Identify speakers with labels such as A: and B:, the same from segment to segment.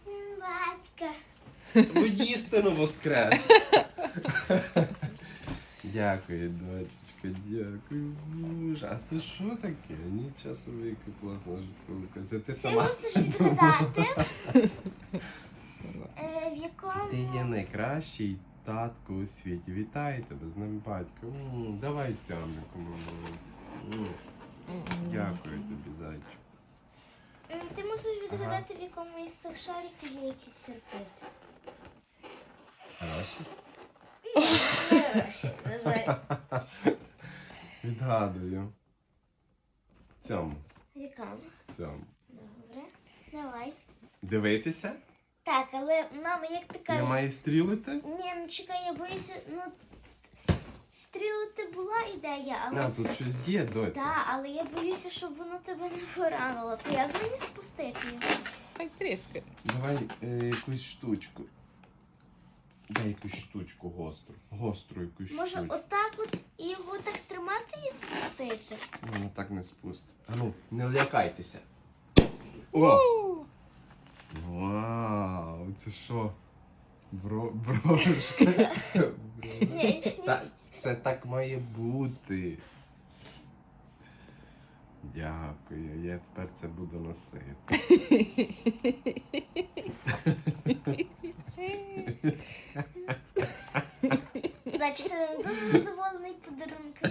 A: Батька.
B: Воістину воскрес. Дякую, дочечка, дякую. Боже, а це що таке? Нічого собі, яка плотна штука. Це ти
A: Ти
B: сама?
A: мусиш відгадати, в якому...
B: Ти є найкращий татко у світі. Вітаю тебе з ним, батько. Давай цямнику, мамо. Дякую тобі, зайчик.
A: Ти мусиш відгадати, в якому із цих шариків є якийсь сюрприз.
B: Хороший?
A: Не гроші, на жаль.
B: Відгадую. В цьому.
A: В якому?
B: В цьому.
A: Добре. Давай.
B: Дивитися?
A: Так, але, мама, як ти кажеш...
B: Я маю стрілити?
A: Ні, ну чекай, я боюся, стрілити була ідея, але...
B: А, тут щось є, доця.
A: Так, але я боюся, щоб воно тебе не поранило. То як мені спустити його?
C: Так тріскай.
B: Давай якусь штучку. Дай якусь штучку гостру. Гостру якусь
A: Може,
B: штучку.
A: отак от і його так тримати і спустити?
B: Воно так не спустить. А ну, не лякайтеся. О! Вау, це що? Брошка. Це так має бути. Дякую, я тепер це буду носити.
A: Значить, ти не дуже задоволений подарунком.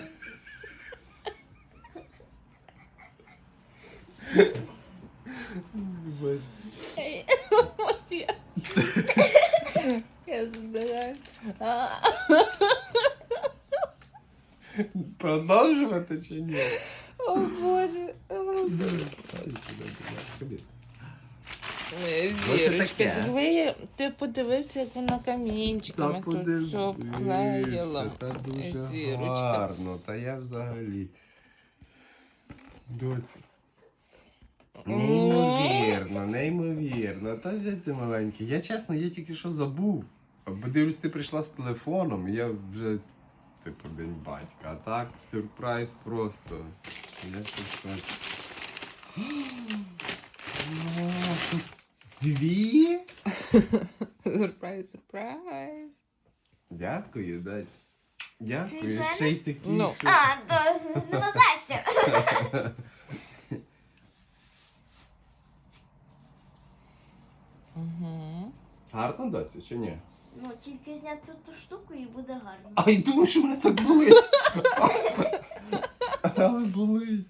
B: Боже.
C: Ось я. Я здираю.
B: Продовжувати чи ні?
C: О, Боже.
B: Ходи.
C: Вірочка, ти подивився, як вона камінчиками тут все обклеїла.
B: Та дуже
C: Зірочка.
B: гарно. Та я взагалі. Доці. Неймовірно, неймовірно. Та же ти маленький. Я чесно, я тільки що забув. Бо дивлюсь, ти прийшла з телефоном, і я вже, типу, день батька. А так, сюрприз просто. Я щось. Дві?
C: Сюрприз, сюрприз.
B: Дякую, Дать. Дякую,
A: Це від
B: ще й такі.
C: Ну.
B: що-
A: А, то нема за що.
C: Угу.
B: Гарно, доця, чи ні?
A: Ну, тільки зняти ту штуку і буде гарно.
B: Ай, думаю, що мене так болить. Але болить.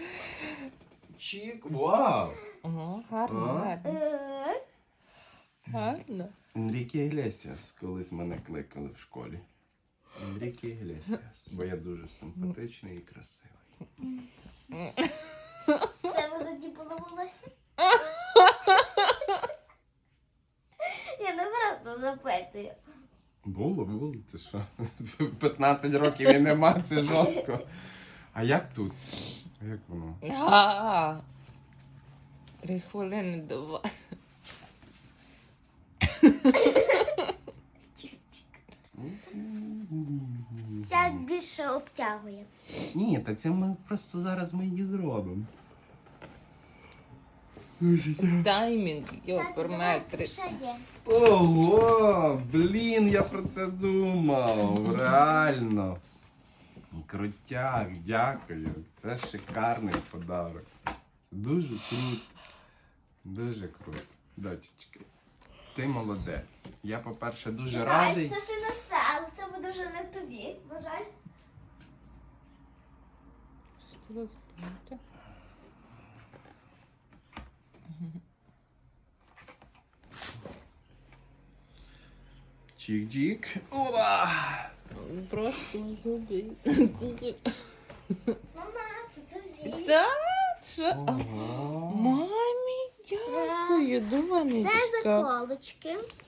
B: Чік, вау.
C: Угу. Гарно,
B: А?
C: гарно. Гарно.
B: Енріке Іглесіас колись мене кликали в школі. Енріке Іглесіас, бо я дуже симпатичний і красивий.
A: В тебе тоді було волосся? Я не просто запитую.
B: Було, це що? 15 років і нема, це жорстко. А як тут? А як воно?
C: 3 хвилини до вас.
A: Чик-чик. Ця більше обтягує.
B: Ні, та це ми просто зараз ми її зробимо.
C: Таймінг,
A: Тату,
C: йоперметри.
A: давай, ще є.
B: Ого, блін, я про це думав. Реально. Крутяк, дякую. Це шикарний подарок. Дуже круто. Дуже круто. Дочечки, ти молодець. Я, по-перше, дуже
A: Чекай,
B: радий.
A: це ще не все, але це буде вже не тобі, на жаль.
C: Що за спинка?
B: Чик-чик. Ура!
C: Просто зуби.
A: Мама, це тобі.
C: Так? Що?
B: Ого.
C: Мамі, дякую,
A: Це
C: дуванечка.
A: заколочки.